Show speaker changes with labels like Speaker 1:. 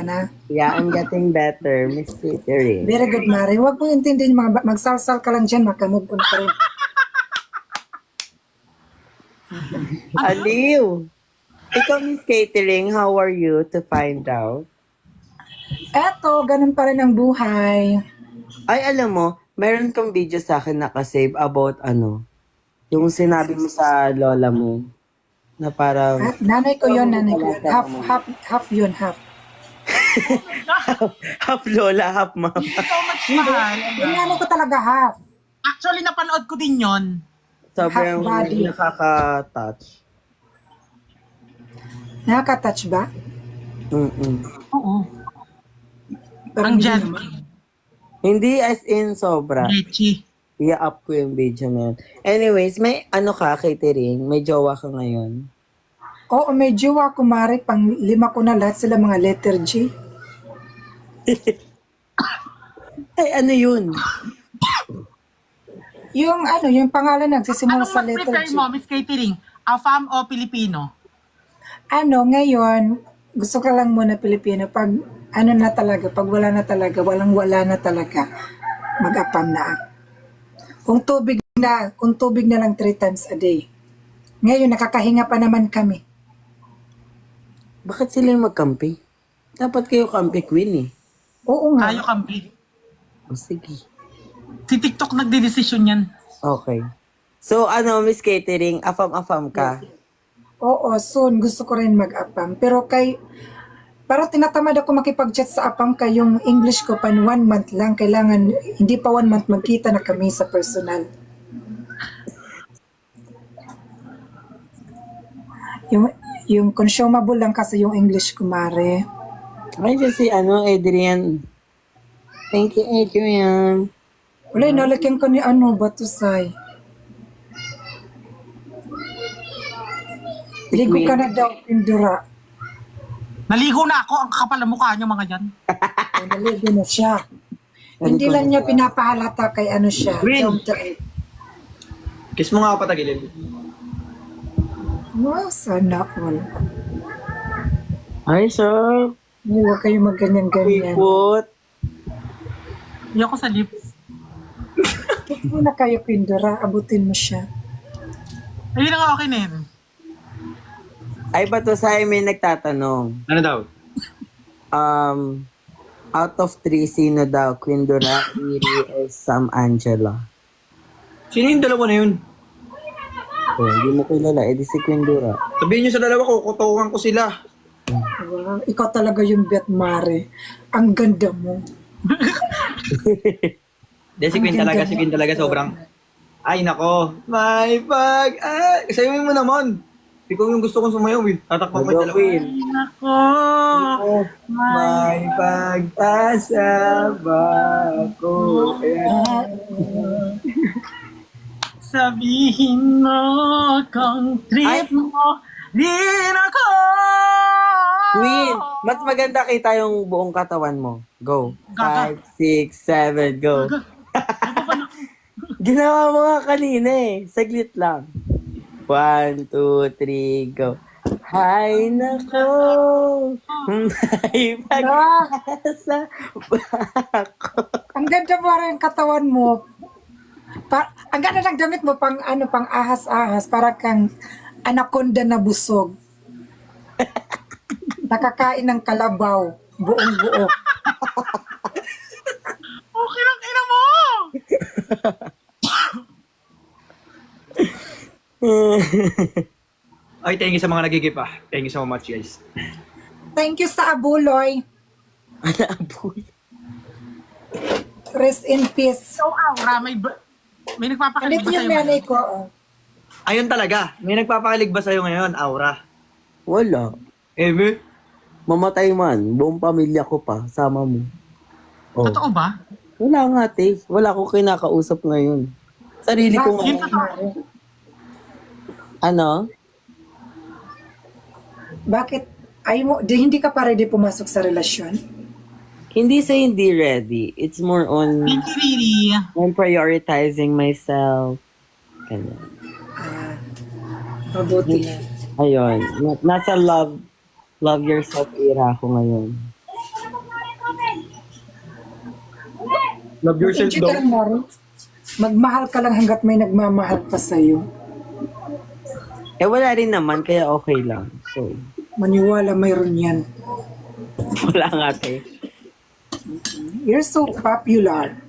Speaker 1: na.
Speaker 2: Yeah, I'm getting better, Miss Catering.
Speaker 1: Very good, Mare. Huwag mo intindihin mga magsalsal ka lang dyan, makamove on ka rin.
Speaker 2: Aliw! Ikaw, Miss Catering, how are you to find out?
Speaker 1: Eto, ganun pa rin ang buhay.
Speaker 2: Ay, alam mo, meron kang video sa akin nakasave about yung sinabi mo sa lola mo na parang
Speaker 1: Nanay ko yun, nanay ko yun. Half yun, half.
Speaker 2: half lola, half mama.
Speaker 3: So much mahal.
Speaker 1: Yung nanay ko talaga half.
Speaker 3: Actually, napanood ko din yon.
Speaker 2: Sobrang
Speaker 1: Half body.
Speaker 2: nakaka-touch.
Speaker 1: Nakaka-touch ba?
Speaker 2: Mm-mm.
Speaker 3: Oo.
Speaker 1: Pero
Speaker 3: Ang
Speaker 1: hindi
Speaker 3: jan.
Speaker 1: naman.
Speaker 2: Hindi as in sobra.
Speaker 3: Lechi.
Speaker 2: I-up ko yung video na yun. Anyways, may Catering? May jowa ka ngayon?
Speaker 1: Oo, may jowa ko, Mare. Pang 5 ko na lahat sila mga letter G.
Speaker 2: Ay, ano yun?
Speaker 1: Yung pangalan nagsisimula
Speaker 3: Anong
Speaker 1: sa
Speaker 3: mas
Speaker 1: letter
Speaker 3: prefer
Speaker 1: G.
Speaker 3: mo, Miss Catering? Afam o Pilipino?
Speaker 1: Ngayon, gusto ka lang muna Pilipino. Pag na talaga, pag wala na talaga, walang-wala na talaga, mag-apam na ako. Kung tubig na lang 3 times a day. Ngayon, nakakahinga pa naman kami.
Speaker 2: Bakit sila yung magkampi? Dapat kayo kampi queen eh.
Speaker 1: Oo nga.
Speaker 3: Tayo kampi.
Speaker 2: O sige.
Speaker 3: Si TikTok nagdedesisyon yan.
Speaker 2: Okay. So, Miss Catering, afam-afam ka?
Speaker 1: Oo, soon gusto ko rin mag-apam. Pero parang tinatamad ako makipag-chat sa apam kay yung English ko pan 1 month lang. Kailangan, hindi pa 1 month magkita na kami sa personal. Yung consumable lang kasi yung English ko, Mare.
Speaker 2: Ay, si Adrian. Thank you, Adrian.
Speaker 1: Wala, nalagyan ko ni Batusay. Ligo ka na daw, Pindura.
Speaker 3: Naligo na ako. Ang kakapal na mukha niyo, mga yan.
Speaker 1: Naligo na siya. Hindi lang niya pinapahalata kay siya.
Speaker 4: Green.
Speaker 1: Down to earth.
Speaker 4: Kiss mo nga ako patagilid.
Speaker 1: Wow, sana all.
Speaker 2: Ay, sir.
Speaker 1: Huwag kayo magganyan-ganyan.
Speaker 2: Put.
Speaker 3: Ayoko sa lips.
Speaker 1: Kiss mo na kayo, Pindura. Abutin mo siya.
Speaker 3: Ayun na nga okay na yun.
Speaker 2: Ay, Batusay, may nagtatanong.
Speaker 4: Ano daw?
Speaker 2: Out of 3, sino daw? Quindura, Iri, or Sam Angela?
Speaker 4: Sino yung dalawa na yun?
Speaker 2: Oh, hindi mo kilala. Eh, di si Quindura.
Speaker 4: Sabihin nyo sa dalawa ko, kutukan ko sila.
Speaker 1: Wow, ikaw talaga yung Bet Mare. Ang ganda mo.
Speaker 4: Si Queen talaga, si Queen talaga sobrang... Ay nako, may pag... Sayawin mo naman. Ikaw yung gusto kong sumayaw eh. Tatakpan ko yung dalawa.
Speaker 2: Queen.
Speaker 3: Nako.
Speaker 4: May pag-asa ba ako?
Speaker 3: Sabihin mo kung trip mo din ako.
Speaker 2: Queen, mas maganda kita yung buong katawan mo. Go.
Speaker 3: Gaga.
Speaker 2: 5, 6, 7, go. Ginawa mo nga kanina eh. Saglit lang. 1, 2, 3, go. Hay nako, may pag-asa ba ako?
Speaker 1: Ang ganda mo rin katawan mo. Ang ganda ng damit mo pang ahas-ahas para kang anaconda na busog. Nakakain ng kalabaw, buong-buo.
Speaker 3: Okay lang, ina mo.
Speaker 4: Ay, thank you sa mga nagigip ah. Thank you so much guys.
Speaker 1: Thank you sa abuloy.
Speaker 2: Alaboy.
Speaker 1: Rest in peace.
Speaker 3: So, Aura, may nagpapakilig
Speaker 1: Andito
Speaker 3: ba
Speaker 1: yung
Speaker 3: sa'yo?
Speaker 1: nanay ko. Oh.
Speaker 4: Ayun talaga. May nagpapakilig ba sa'yo ngayon, Aura?
Speaker 2: Wala.
Speaker 4: Ebe?
Speaker 2: Mamatay man. Buong pamilya ko pa. Sama mo. Oh.
Speaker 3: Totoo ba?
Speaker 2: Wala nga, te. Wala ko kinakausap ngayon. Sarili ko
Speaker 1: Bakit,
Speaker 2: nga.
Speaker 1: Mare?
Speaker 2: Ano?
Speaker 1: Bakit? Hindi ka pa ready pumasok sa relasyon?
Speaker 2: Hindi sa hindi ready. It's more on
Speaker 3: Thank you, Riri.
Speaker 2: on prioritizing myself. Ganyan.
Speaker 1: Mabuti.
Speaker 2: Ayun. Nasa love yourself era ako ngayon.
Speaker 4: Love yourself
Speaker 1: Enjoy ka
Speaker 4: daw.
Speaker 1: lang, Maro. Magmahal ka lang hanggat may nagmamahal pa sa'yo.
Speaker 2: Eh, wala rin naman, kaya okay lang. So,
Speaker 1: Maniwala, mayroon yan.
Speaker 2: wala nga, te.
Speaker 1: You're so popular.